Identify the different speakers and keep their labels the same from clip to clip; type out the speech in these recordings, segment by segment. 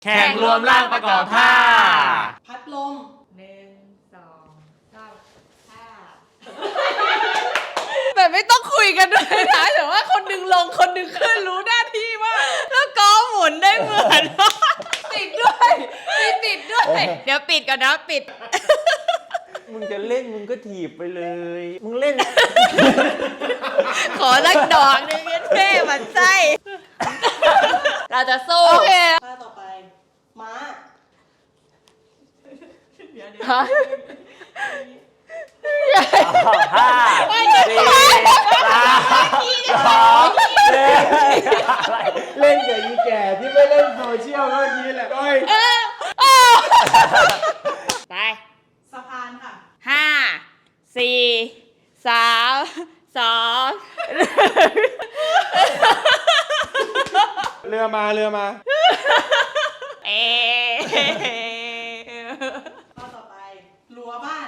Speaker 1: แข่งรวมร่างประกอบท่า
Speaker 2: พัดลม
Speaker 3: 1 2 3 5
Speaker 4: แต่ไม่ต้องคุยกันด้วยนะแต่ว่าคนหนึ่งลงคนหนึ่งขึ้นรู้หน้าที่ว่าแล้วก็หมุนได้เหมือนติดด้วยมีติดด้วยเดี๋ยวปิดก่อนนะปิด
Speaker 1: มึงจะเล่นมึงก็ถีบไปเลย มึงเล่น
Speaker 4: ขอสักดอกหนึ่งเท่ๆมันไส้เราจะสู้โอเค
Speaker 2: ท่าต่อไป ม้า
Speaker 1: ห้าสี่สามสองเล่นกับอีแก่ที่ไม่เล่นโซเชียลเมื่อกี้แหละโอ้ย
Speaker 4: ไป
Speaker 2: สะพานค่ะ
Speaker 4: 5 4 3 2
Speaker 1: เรือมา
Speaker 4: เอ
Speaker 2: ข้อต่อไป รั้วบ้าน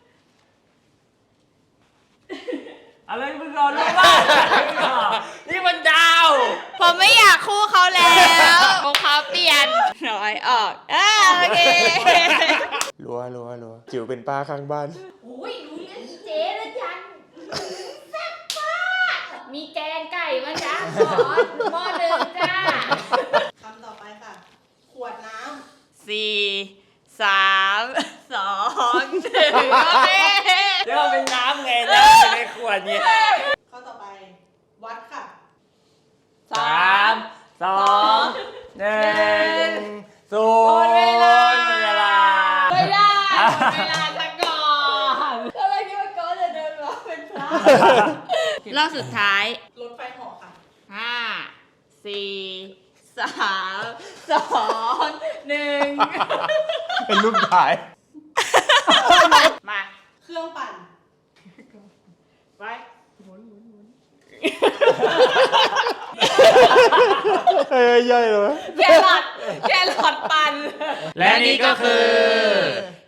Speaker 1: อะไรมึงรอรู้ว่านี่มันดาว
Speaker 4: ผมไม่อยากคู่เขาแล้วผมเขาเปลี่ยนน้อยออกโอเค
Speaker 1: รัวจิ๋วเป็นป้าข้างบ้าน
Speaker 3: โอ้ยรู้เรื่องอีเจ๊แล้วจันแซ่บมากมีแกงไก่มาจ้าขอหม้อหนึ่งจ้า
Speaker 2: คำต่อไปค่ะ ขวดน้
Speaker 4: 4 3 2 1โอเค
Speaker 1: เดี๋ยวเป็นน้ำไงน้ำอยู่ในขวดเนี่ย
Speaker 2: ำข้อต่อไป วัดค่ะ
Speaker 1: 3 2 1 ศูนย์เวลา
Speaker 4: ไม่ได้หมดเวลาซะก่อนก็เลยคิดว่าก็จะเดินมาเป็นพระรอบสุดท้าย
Speaker 2: รถไฟเหาะค่ะ
Speaker 4: 5 4 3 2 1
Speaker 1: เป็นรูปถ่าย
Speaker 4: มา
Speaker 2: เครื่องปั่น
Speaker 4: ไป
Speaker 1: ย่อยเลย
Speaker 4: แครอทปั่น
Speaker 1: และนี่ก็คือ